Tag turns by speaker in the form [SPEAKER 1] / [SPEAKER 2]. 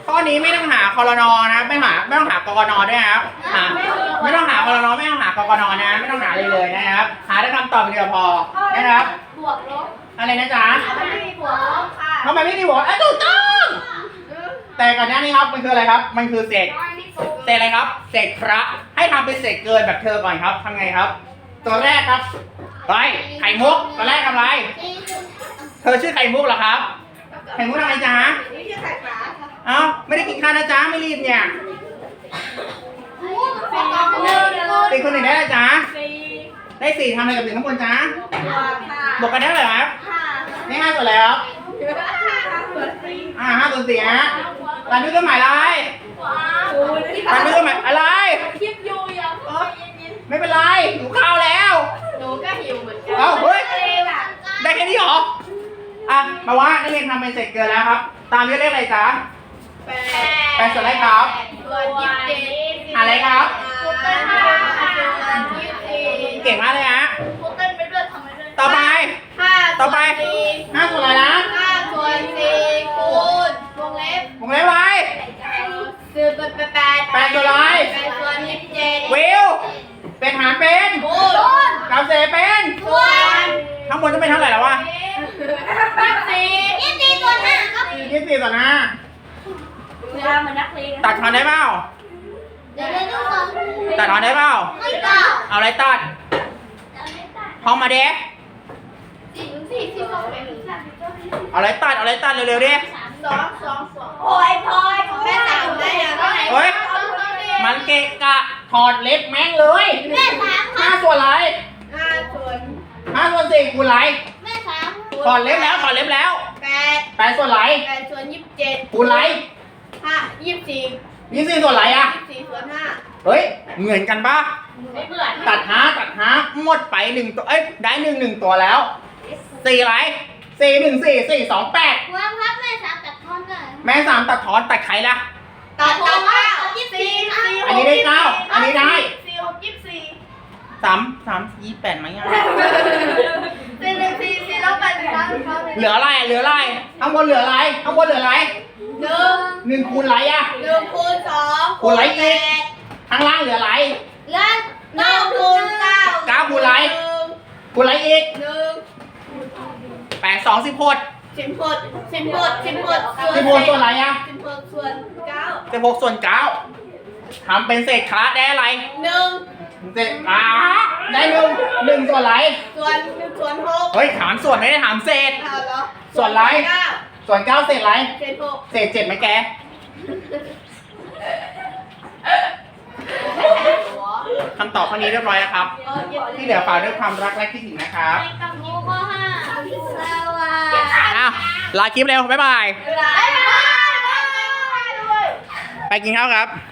[SPEAKER 1] ข้อนี้ไม่ต้องหาคอรนอนะไม่ต้องหากกนด้วยครับไม่ต้องหาคอรนอไม่ต้องหากกนนะไม่ต้องหาเลยนะครับ หาได้คำตอบเดียวพอนะครับ
[SPEAKER 2] บวกลบ
[SPEAKER 1] อะไรนะจ๊ะ
[SPEAKER 2] ไม่มีบวกลบค่ะ
[SPEAKER 1] ทำไมไม่มีบวกถูกต้องแต่ก่อนหน้านี้ครับมันคืออะไรครับมันคือเศษอะไรครับเศษพระให้ทำเป็นเศษเกินแบบเธอก่อนครับทำไงครับตัวแรกครับไปไข่มุกตัวแรกทำอะไรเธอชื่อไข่มุกเหรอครับไข่มุกทำอะไรจ๊ะ
[SPEAKER 2] นี่คือไข่ปลาค่ะ
[SPEAKER 1] เอ้าไม่ได้กินข้าวนะจ๊ะไม่รีบเนี่ยตีคนหนึ่งได้แล้วจ๊ะได้สี่ทำอะไรกับหนึ่งข้างบนจ๊ะบวกกันได้เลยครับนี่5 ส่วนแล้ว5 ส่วน 4ฮะรันด้วยเครื่องหมายอะไรรันด้วยเครื่องหมายอะไร
[SPEAKER 2] คลิปยูยัง
[SPEAKER 1] ไม่เป็นไรหิวข้าวแล้ว
[SPEAKER 2] หนูก็หิวเหมือนกัน
[SPEAKER 1] เอ้าเฮ้ยได้แค่นี้เหรอมาว่านักเรียนทำเป็นเสร็จเกินแล้วครับตามด้วยเลขอะไรจ๊ะ8 ส่วนอะไรครับอะไรครับเก่งมากเลยฮะต่อไป5 ส่วนอะไรนะ
[SPEAKER 2] 5 ส่วน 4คูณวงเล็บ
[SPEAKER 1] ไว้
[SPEAKER 2] 8 ส่วนอะไร8 ส่วน 27
[SPEAKER 1] วิวเป็นหารเป็น
[SPEAKER 2] คูณ
[SPEAKER 1] กับเศษเป็น
[SPEAKER 2] ส่วน
[SPEAKER 1] ข้างบนจะเป็นเท่าไหร่แล้ววะ
[SPEAKER 2] 24ส่วน5ครับ
[SPEAKER 1] 24 ส่วน
[SPEAKER 2] เวลาเหมือนนักเรียน
[SPEAKER 1] 5ตัดทอนได้เปล่าตัดทอนได้เปล่าเอาอะไรตัดห้องมาเด็กเอาอะไรตัดเร็วๆดิ
[SPEAKER 2] 2โอ้ยพอยแม่3ได้ยังไง
[SPEAKER 1] เฮ้ยมันเกะกะถอดเล็บแม่งเลย
[SPEAKER 2] แม่3
[SPEAKER 1] 5 ส่วนอะไร
[SPEAKER 2] 5 ส่วน
[SPEAKER 1] 4คูณอะไร
[SPEAKER 2] แม่3
[SPEAKER 1] ถอดเล็บแล้ว8 ส่วนอะไร
[SPEAKER 2] 8 ส่วน 27
[SPEAKER 1] คูณอะไร
[SPEAKER 2] 24
[SPEAKER 1] ส่วนอะไร
[SPEAKER 2] 24 ส่วน 5
[SPEAKER 1] เฮ้ยเหมือนกันปะ
[SPEAKER 2] ไม่เหมือน
[SPEAKER 1] ตัดหาหมดไป1 ตัวได้1 ตัวแล้ว4อะไร4 1 4 4 2 8
[SPEAKER 2] ว้าวครับแม่3ตัดทอนเลย
[SPEAKER 1] แม่3ตัดถอนตัดใครล่ะ
[SPEAKER 2] ตัด24
[SPEAKER 1] อันนี้ได้9อันนี้ได้
[SPEAKER 2] 4 6 24
[SPEAKER 1] 3 28ไหม
[SPEAKER 2] 4 แล้ว8
[SPEAKER 1] เหลืออะไรข้างบนเหลืออะไร1คูณอะไร
[SPEAKER 2] 1คูณ2
[SPEAKER 1] คูณอะไรอีกข้างล่างเหลืออะไร
[SPEAKER 2] แล้ว9คูณ9
[SPEAKER 1] คูณอะไรอีก8 2 16
[SPEAKER 2] 16
[SPEAKER 1] ส่วนอะไร
[SPEAKER 2] 16ส่วน9
[SPEAKER 1] 16 ส่วน 9ทำเป็นเศษคละได้อะไร
[SPEAKER 2] 1
[SPEAKER 1] เศษได้1 ส่วนอะไร
[SPEAKER 2] 1 ส่วน 6
[SPEAKER 1] เฮ้ยถามส่วนไม่ได้ถามเศษ
[SPEAKER 2] เหรอ
[SPEAKER 1] ส่วนอะไรส่วน 9 เศษอะไร
[SPEAKER 2] เศษ6
[SPEAKER 1] เศษ7ไหมแกคำตอบข้อนี้เรียบร้อยแล้วครับที่เหลือฝากด้วยความรักและคิดถึงนะครับลาคลิปเร็วบ๊ายบายไปกินข้าวครับ